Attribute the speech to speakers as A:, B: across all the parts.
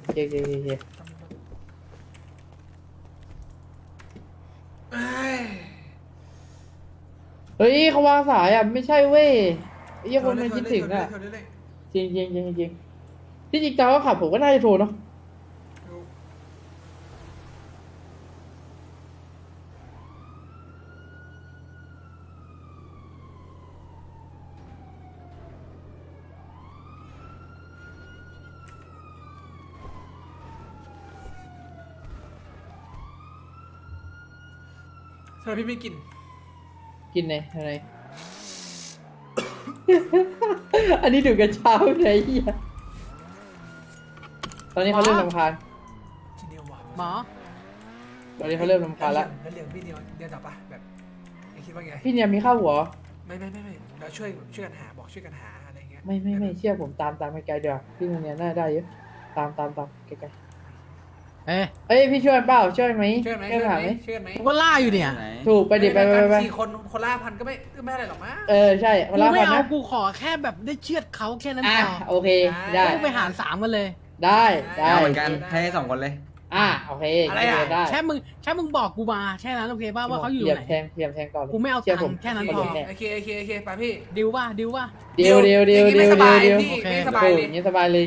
A: เจ๊เฮ้ยเขาวางสายอ่ะไม่ใช่เว้ยไอ้เหี้ยคนมันคิดถึงอ่ะจริงที่จริงตอนเขาขับผมก็น่าจะโทรเนาะ
B: ทำไมพี่ไม่กิน
A: กินไงอะไร อันนี้ดูกันเช้าไหนเหี้ยตอนนี้เขาเริ่มรำคาญ
B: ทีเดียวว่ะ
C: หมอ
A: ตอนนี้เขาเริ่มรำคาญแล้ว
B: แล้วเหลืองพี่เดียวจับปะแบบไอ้คิดว่าไง
A: พี่เนี่ยมีข้าวหัว
B: ไม่เราช่วยกันหาบอกช่วยกันหาอะไรเงี้ย
A: ไม่เชื่อผมตามไกลๆเดี๋ยวาพี่เนี่ยน่าได้เยอะตามไกล
C: เอ๊ะ
A: ๆเอ้ยพี่ช่วยเปล่าช่วยไหม
B: ช่วยไหม
A: หาไหม
B: ช่วยกันไหม
C: กูก็ล่าอยู่เนี่ย
A: ถูกไปดิไป
B: สี่คนล่าพันก็ไม่อะไรหรอกมั้ง
A: ใช่เว
C: กู
A: ลา
C: ไม่
A: พัน
C: เอา
A: นะ
C: กูขอแค่แบบได้เชือดเขาแค่นั้น
A: อ่ะ
C: พอ
A: โอเคได้
C: กูไปหาร3กันเลย
A: ได้
D: เอาเหมือนกันให้2 คนเลย
A: โอเคได้
C: แค่มึงบอกกูมาแค่นั้นโอเคป่ะว่าเขาอยู่
A: เหยียบ
C: ไหน
A: แทงต่อเลย
C: กูไม่เอา
A: เชื่อผม
C: ตังค์แค่นั้น
A: เขา
C: พอ
A: หลุดแน่
B: โอเคไปพี่
C: ดิวป่ะ
A: เดียว
B: ไม่สบายเลย
A: อย่างนี้สบายเลย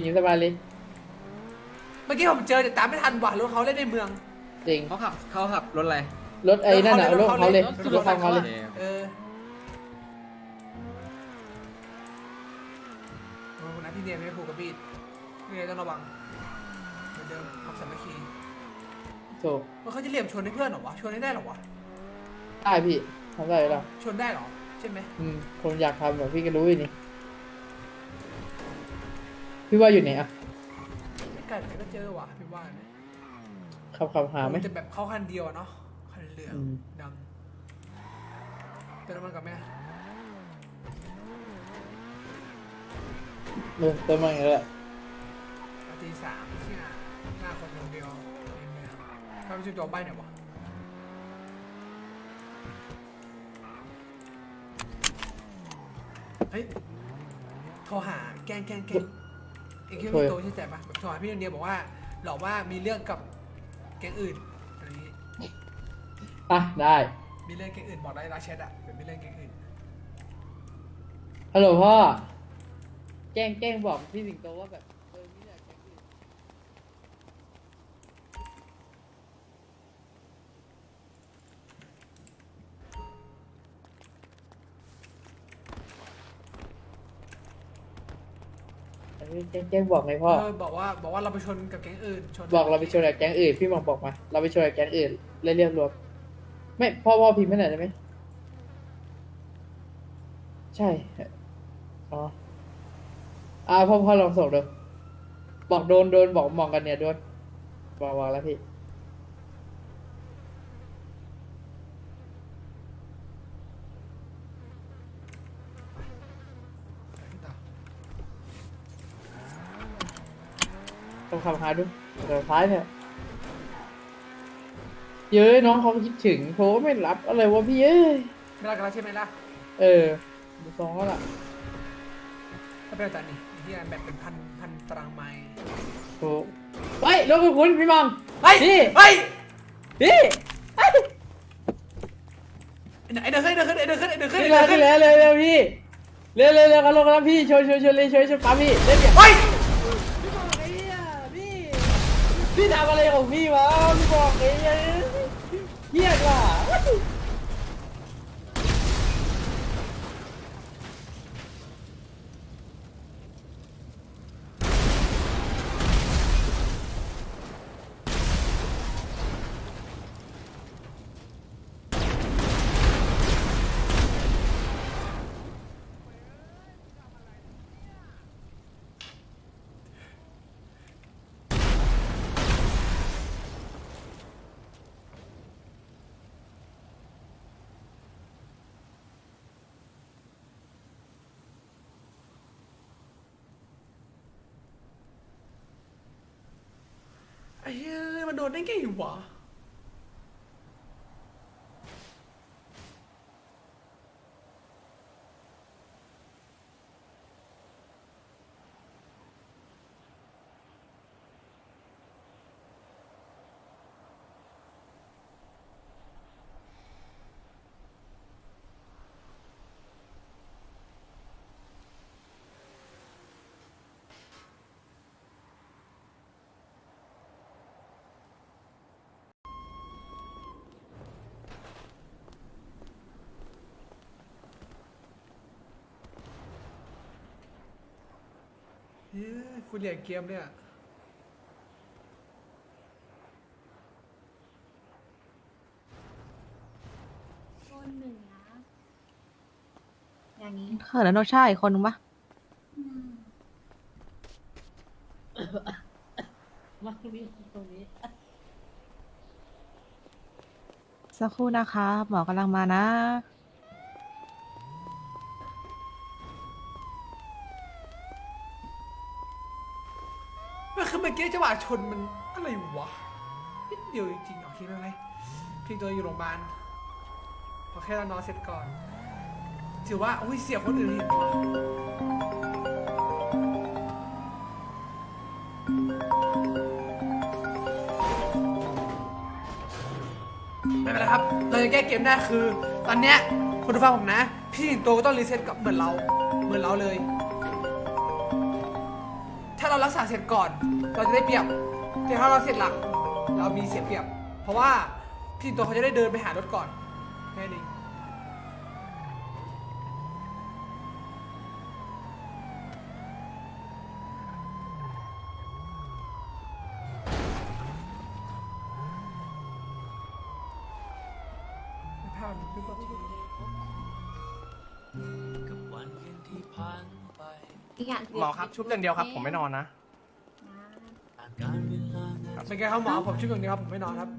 B: เมื่อกี้ผมเจอแต่ตามไม่ทันว่ะรถเขาเล่นในเมือง
A: จริง
D: เขาขับรถอะไร
A: รถไอ้นั่นน่ะรถเขาเลยรถเขาเลย
B: คนนั้นพี่เนียไม่ผูกกับบีดพี่เนียต้องระวังเหมือนเดิมขับสามัคคี
A: ถูก
B: มันเขาจะเหลี่ยมชนให้เพื่อนเหรอวะชนให้ได้เหรอวะ
A: ได้พี่ทำได้หรอ
B: ชนได้เหรอใช่ไหม
A: คนอยากทำแบบพี่ก็รู้อยู่นี่พี่ว่าอยู่ไหนอ่ะ
B: ไม่ไกลแต่ก็เจอว่ะพี่ว่านะ
A: ขับหาไหม
B: จะแบบเข้าคันเดียวเนาะคันเหลืองดำเติมน้ำมันกับแม่
A: เติมมาอย่างนี้แหละ
B: ตี 3ที่หน้าคนเดียวในเมืองถ้าไม่ใช่ตัวใบเนี่ยวะเฮ้ยโทรหาแกล้งเองคิดว่าพี่โตใช่ใจปะแบบโทรหาพี่เดียวบอกว่าหลอกว่ามีเรื่องกับแก๊งอื่นอะไรนี้
A: ได้
B: มีเรื่องแก๊งอื่นบอกได้รักแชทอะเป็นมีเรื่องแก๊งอื่น
A: ฮัลโหลพ่อแกล้งบอกพี่สิงโตว่าแบบนี่แหละแกล้งอื่นแกล้งบอกไงพ่อ
B: บอกว่าเราไปชนกับแก๊งอื่นชน
A: บอกเราไปชนกับแก๊งอื่นพี่บอกมาเราไปชนกับแก๊งอื่นเรียบรวมไม่พ่อพิมพ์ไม่ไหนได้ไหมใช่พ่อลองส่งดูบอกโดนบอกมองกันเนี่ยโดนบอกแล้วพี่ต้องขับหาดูเดี๋ยวท้ายเนี่ยเย้ยน้องเขาคิดถึงโทรไม่รับอะไรวะพี่เอ้ย
B: ไม่รักกันแล้วใช่ไหมล่ะ
A: ดูซองก็ล่ะ
B: ถ้าเป็นอาจารย์นี่ที่แบบเป็นพันตารางไมล์
A: ถูกเฮ้ยรถคุณพี่มอง
B: เฮ้ย
A: พี่
B: เฮ้ย
A: พี่
B: ไอเดินขึ้น
A: นี่แล้วเร็วพี่เร็วกันลงแล้วพี่ชนเลยชนปั๊มพี่เล่นเดี๋ยว
B: เฮ้ย
A: พี่บอกไอ้เนี่ยพี่ทำอะไรของพี่วะพี่บอกไอ้เนี่ยเหี้ยกว่า
B: ไอ้เฮ้ยมันโดนได้ไงวะเฮ้ยคุณเหลี่ยมเกมเนี่ย
E: คนหนึ่งนะ อย่างนี้
F: เขินแล้วโนชาอีกคนนึงปะ
E: อืม
A: มาตรงนี้ตรงนี้
F: สักครู่นะคะหมอกำลังมานะ
B: มันคือเมื่อกี้จังหวะชนมันอะไรวะนิดเดียวจริงๆโอเคไม่เป็นไรพี่ตัวอยู่โรงพยาบาลขอแค่เรานอนเสร็จก่อนถือว่าอุ้ยเสียคนอื่นเห็นวะไม่เป็นไรครับเราจะแก้เกมได้คือ ตอนเนี้ยคุณผู้ฟังผมนะ พี่สิงโตก็ต้องรีเซ็ตกับเหมือนเราเลย ถ้าเรารักษาเสร็จก่อน เราจะได้เปรียบแต่ถ้าเราเสร็จหลังเรามีเสียเปรียบ เพราะว่าพี่สิงโตเขาจะได้เดินไปหารถก่อนแค่นี้ภาพมันคือแบบ
E: อีกอย่าง
G: หมอครับชุบอย่างเดียวครับ ผมไม่นอนนะ
B: เป็นไงครับหมอผมชื่ออย่างนี้ครับผมไม่นอนครับ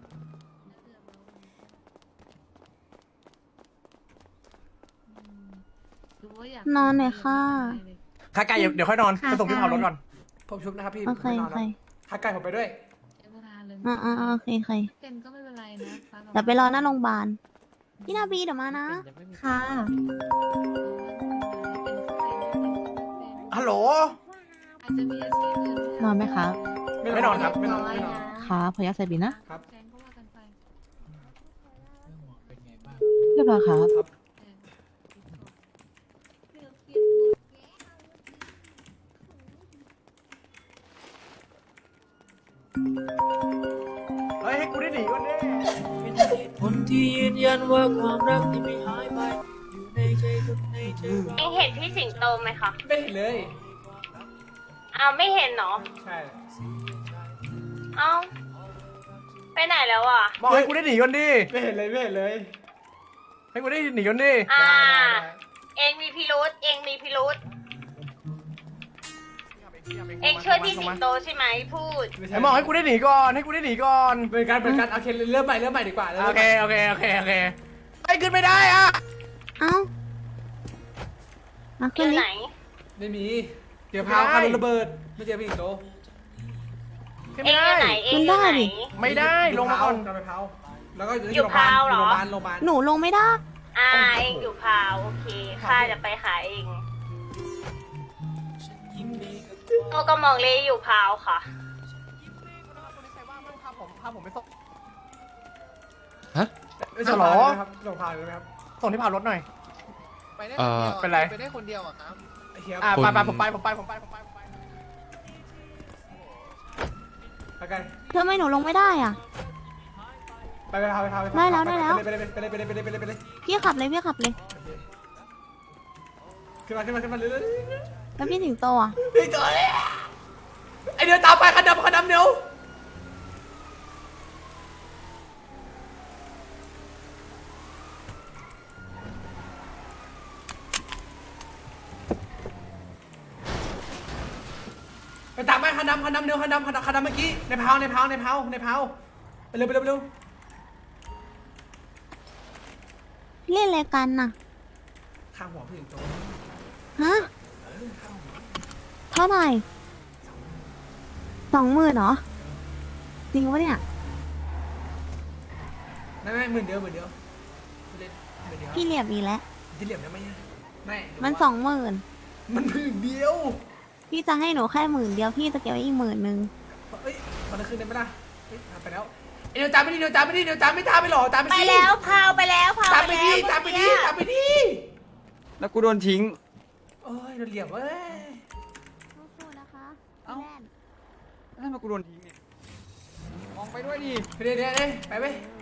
F: นอนหน่อยค่ะ
G: ถ้าไกลเดี๋ยวค่อยนอนไปส่งพี่เผารถก่อน
B: ผมชุบนะครับพี่
F: โอ
B: ผม
F: เค
B: ไม่นอ
F: โอน
B: ค
F: เครับ
B: ถ้าไกลผมไปด้วย
E: ใช้เวลาเลย
F: โอเคโอเค
E: เป็นก็ไม่เป็นไรนะฟ้ากับ
F: เดี๋ยวไปรอหน้าโรงพยาบาลพี่นาบีเดี๋ยวมานะ ค่ะ
G: ฮัลโหล
E: อาจจะมีอาชีพอื่นที่
F: นอนไหมครับ
G: ไม่นอนครับ
B: ไม่นอน
E: น้อย
B: ไม่นอน
F: ค่ะพยักใส่บินนะ
B: ครับ
E: แฟนก็ว่ากันไป
F: เรียบร้อยครับ
E: เลือกเปลี่ยนบทแก้ว
G: เฮ้ยให้กูได้หนีก่อนดิ
H: คนที่ยืนยันว่าความรักที่ไม่หายไป อยู่ในใจคนในใจเรา
I: เองเห็นพี่สิงโตไหมคะ
B: ไม่เห็นเลย
I: อ้าวไม่เห็นเนาะ
B: ใช่
I: เอ้าไปไหนแล้วอ่ะ
G: บอกให้กูได้หนีก่อนดิ
B: ไม่เห็นเลยไม่เห็นเลย
G: ให้กูได้หนีก่อนดิ
I: อ่า
B: ได้
I: เองมีพิรุษเองมีพิรุษเองช่วยพี่สิงโตใช่ไหมพูด
B: ไม่ใช่
G: ไอ้บอกให้กูได้หนีก่อน ให้กูได้หนีก่อน
B: เป็นการโอเคเริ่มใหม่ดีกว่า
G: โอเคไอ้ขึ้นไม่ได้อะ
F: เอ้ามา
I: อ
F: ขึ้น
I: ยู่
F: ลิ
I: ไหน
B: ไม่มี เดี๋ยวพาวคาร์ระเบิดไม่เจอพี่สิงโต
G: ขึ้น
I: เอ
G: ไม่
I: งอ
G: ได้
I: ยู่ไหนเองอยู่ไหน
G: ไม่ได้ลงมาก่อน
B: กลับไปพาวแล้วก็
I: อยู่พาวเหรอ
B: โรงพยาบาล
F: หนูลงไม่ได้
I: อ่าเองอยู่พาวโอเคข้าจะไปหาเองโอ้ก็มองเลยอยู่พาวค่ะ
G: พาผมไปส่ง
B: ไม่ใช่
G: ฮัลโหล
B: พาวนะครับลงพาวเลยไหมครับ
G: ส่งที่พารถหน่อย
J: ไปได้คนเดียว
G: เป็นไร
J: ไปได้คนเดียวอะครับ
B: ไอ้เหี้ย
G: ไปผมไป
B: ไปกัน
F: ทำไมหนูลงไม่ได้อ่ะ
B: ไปพาว
F: ได้แล้วได้แล้ว
B: ไปเลย
F: พี่ขับเลยพี่ขับเลย
B: ขึ้นมาเลย
F: แล้วพี่สิงโตอ่ะ
B: พี่ตัวเลยไอเดียวตามไปคันดำเดี๋ยวไปตามไปคันดำเดี๋ยวคันดำเมื่อกี้ในเพาไปเร็ว
F: เล่นอะไรกันน่ะ
B: ข้างหัวพี่ถึงโต
F: ฮะ เท่าไหร่20,000เหรอ จริงปะเนี่ย
B: ไม่หมื่นเดียวไม่เล่นหมื่นเดียว
F: พี่เหลียบอีกแล้ว
B: ที่เหลี่ยมได้ไหมไม่
F: มัน20,000
B: มันหมื่นเดียว
F: พี่จะให้หนูแค่10,000เดียวพี่จะเก็บไว้อีก10,000
B: เอ้ยมันจะคืนได้ไหมล่ะไปแล้วเดี๋ยวตามไปหรอตามไป
I: ไป
B: สิ
I: แล้วพาวไปแล้วพาว
B: ตาม
I: ไป
B: ไป
I: แล้ว
B: ดิ
D: แล้วกูโดนทิ้ง
B: โอ้ยโดนเหลี่ยมเว้ย
F: สู้ๆนะคะ
D: เอ้า
F: แม่น
D: แล้วทำไมกูโดนทิ้งเนี่ยมองไปด้วยดิ
B: เดี๋ยวไป